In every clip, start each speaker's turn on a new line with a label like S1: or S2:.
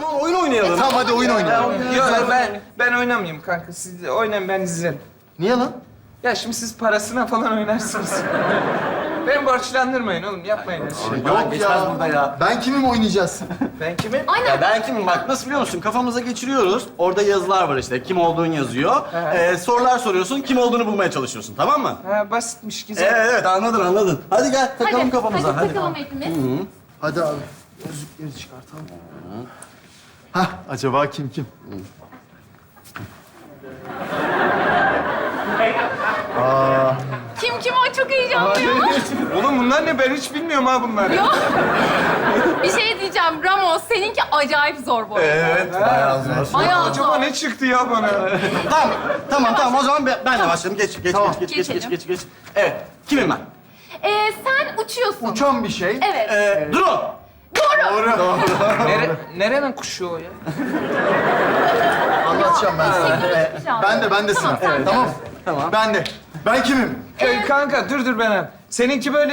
S1: zaman oyun oynayalım.
S2: Tamam hadi oyun oynayalım.
S3: Yok ben oynamayayım kanka. Siz de oynayın, ben izlerim.
S2: Niye lan?
S3: Ya şimdi siz parasına falan oynarsınız. Beni borçlandırmayın oğlum, yapmayın öyle şey.
S2: Yok
S1: geçmez burada ya.
S2: Ben kimim oynayacağız?
S3: Ben kimim?
S1: Ya ben kimim? Bak nasıl biliyor musun? Kafamıza geçiriyoruz. Orada yazılar var işte. Kim olduğun yazıyor. Sorular soruyorsun. Kim olduğunu bulmaya çalışıyorsun. Tamam mı?
S3: Ha, basitmiş, güzel.
S1: Evet anladın. Hadi gel takalım kafamıza.
S4: Hadi takalım hepimiz.
S2: Hadi abi. Gözlükleri çıkartalım. Hah, acaba kim?
S4: Kim o? Çok heyecanlıyım.
S3: Oğlum bunlar ne? Ben hiç bilmiyorum ha bunları.
S4: Yok. Bir şey diyeceğim. Ramos, seninki acayip zor bu arada.
S1: Evet. Bayağı zor.
S4: Bayağı
S3: Acaba
S4: zor.
S3: ne çıktı ya bana?
S1: Tamam. O zaman ben de başlayayım. Geç. Evet. Kimim ben?
S4: Sen uçuyorsun.
S2: Uçan bir şey.
S4: Evet.
S1: Drone.
S4: Doğru.
S3: Nerenin kuşu o ya?
S2: Anlatacağım ben sana.
S4: Yapacağım.
S2: Ben de sıra.
S4: Tamam, sen de.
S2: Tamam.
S1: Tamam.
S2: Ben kimim?
S3: Kanka dur ben. Seninki böyle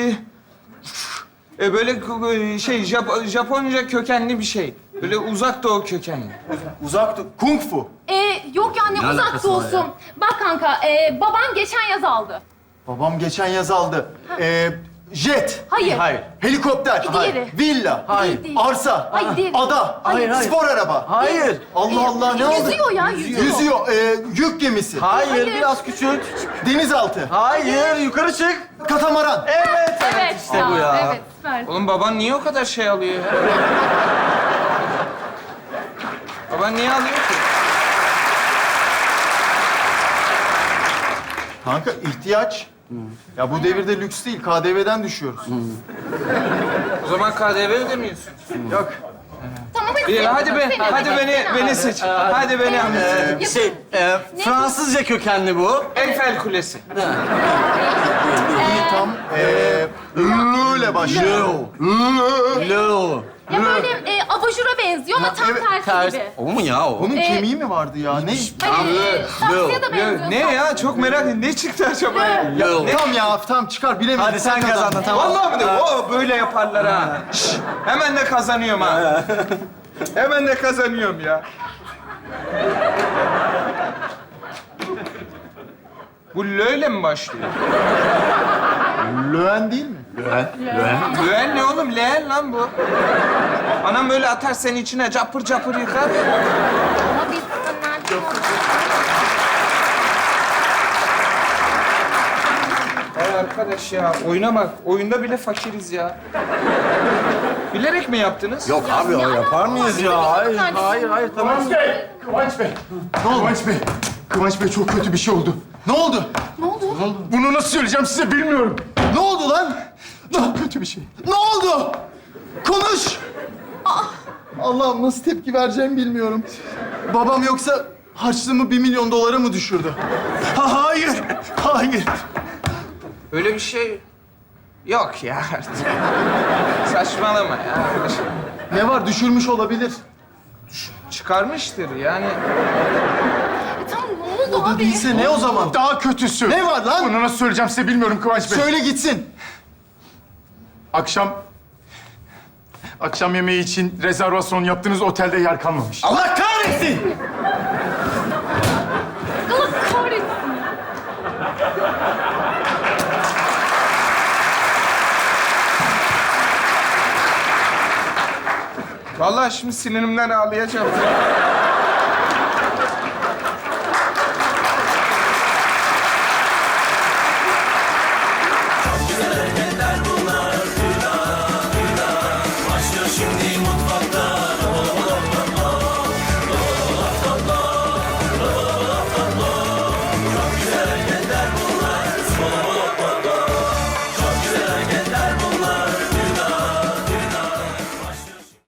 S3: böyle şey Japonca kökenli bir şey. Böyle uzak doğu kökenli.
S2: Uzak Kung Fu.
S4: Yok ya ne uzak
S1: alakası var
S4: olsun.
S1: ya?
S4: Bak kanka, baban geçen yaz aldı.
S2: Babam geçen yaz aldı. Jet.
S4: Hayır.
S1: Hayır.
S2: Helikopter.
S4: Diğeri.
S2: Villa.
S1: Hayır.
S4: Değil.
S2: Arsa.
S4: Hayır, değil.
S2: Ada.
S4: Hayır.
S2: Spor araba.
S1: Hayır.
S2: Allah Allah ne oldu?
S4: Yüzüyor ya, yüzüyor.
S2: Yüzüyor. Yük gemisi.
S1: Hayır. Biraz küçült.
S2: Denizaltı.
S1: Hayır. Yukarı çık.
S2: Katamaran.
S1: Evet.
S4: Evet.
S1: işte bu ya.
S4: Evet, süper.
S3: Oğlum baban niye o kadar şey alıyor ya? Baban niye alıyor ki?
S2: Kanka ihtiyaç. Ya bu devirde lüks değil. KDV'den düşüyoruz.
S3: O zaman KDV ödemiyorsun.
S2: Yok.
S4: Tamam hadi.
S3: İyi, hadi
S4: Seni
S3: beni seç. Hadi beni anlat.
S1: Fransızca kökenli bu.
S3: Eiffel Kulesi.
S2: Tam L ile başlıyor.
S1: Lo.
S4: Ya böyle abajura benziyor ama tam
S2: evet,
S4: tersi gibi.
S1: O mu ya o?
S2: Onun kemiği mi vardı ya? Ne?
S4: Hayır, saksıya da
S3: Ya,
S4: benziyor.
S3: ne ya? Çok merak ettim. Ne çıktı acaba ya?
S1: Lo.
S2: Tam ya, tam çıkar bilemedim.
S1: Hadi sen kazandın tamam.
S3: Vallahi mi de? O böyle yaparlar ha. Şş, hemen de kazanıyorum ha. Hemen de kazanıyorum ya. Bu löyle mi başlıyor?
S2: Löwen değil mi?
S3: Löğen ne oğlum? Leğen lan bu. Anam böyle atar seni içine capır capır yıkar.
S4: Ama biz nerede?
S3: Ay arkadaş ya, oyuna bak. Oyunda bile fakiriz ya. Bilerek mi yaptınız?
S1: Yok abi o yapar mıyız ya? Hayır tamam.
S2: Kıvanç Bey. Ne oldu? Kıvanç Bey çok kötü bir şey oldu. Ne oldu?
S4: Ne oldu?
S2: Bunu nasıl söyleyeceğim size bilmiyorum. Ne oldu lan? Çok kötü bir şey. Ne oldu? Konuş. Allah'ım nasıl tepki vereceğimi bilmiyorum. Babam yoksa harçlığımı 1 milyon dolara mı düşürdü? Hayır.
S3: Öyle bir şey yok ya artık. Saçmalama ya.
S2: Ne var? Düşürmüş olabilir.
S3: Çıkarmıştır yani.
S4: Tamam ne oldu
S2: O da
S4: abi?
S2: değilse ne o zaman?
S5: Daha kötüsü.
S2: Ne var lan?
S5: Bunu nasıl söyleyeceğim size bilmiyorum Kıvanç Bey.
S2: Söyle gitsin.
S5: Akşam yemeği için rezervasyon yaptığınız otelde yer kalmamış.
S1: Allah kahretsin!
S4: Allah kahretsin.
S3: Vallahi şimdi sinirimden ağlayacağım.
S6: Başlıyor şimdi mutfakta